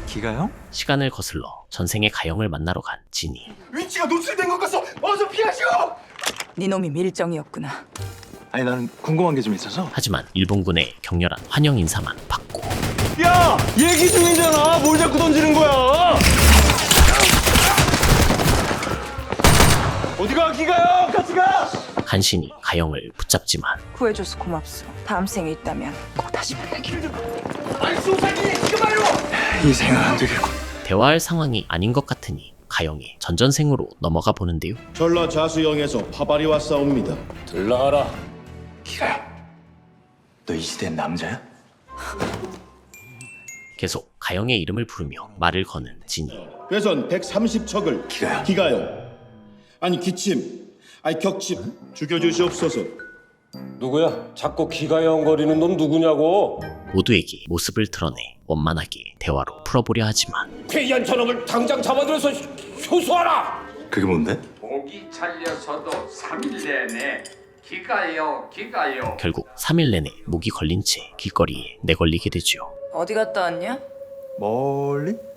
기가요? 시간을 거슬러 전생의 가영을 만나러 간 진이. 위치가 노출된 것 같소. 어서 피하시오. 네 놈이 밀정이었구나. 아니 나는 궁금한 게 좀 있어서. 하지만 일본군의 격렬한 환영 인사만 받고 야, 얘기 중이잖아. 뭘 자꾸 던지는 거야? 어디가 기가요? 같이 가. 간신히 가영을 붙잡지만 구해줘서 고맙소. 다음 생에 있다면 꼭 다시 만나길. 아이 소사기 지금 와요. 이 생은 안 되겠군. 대화할 상황이 아닌 것 같으니 가영의 전전생으로 넘어가 보는데요. 전라자수영에서 파발이 왔사옵니다. 들라하라. 기가요. 너 이 시대의 남자야? 계속 가영의 이름을 부르며 말을 거는 진이. 회선 130척을 기가요. 기가요. 아니 기침, 아니 격침 죽여주시옵소서. 누구야? 자꾸 기가영거리는 놈 누구냐고? 모두에게 모습을 드러내 원만하게 대화로 풀어보려 하지만 폐이한 저놈을 당장 잡아들여서 효수하라! 그게 뭔데? 목이 잘려서도 3일 내내 기가요 기가요. 결국 3일 내내 목이 걸린 채 길거리에 내걸리게 되죠. 어디 갔다 왔냐? 멀리?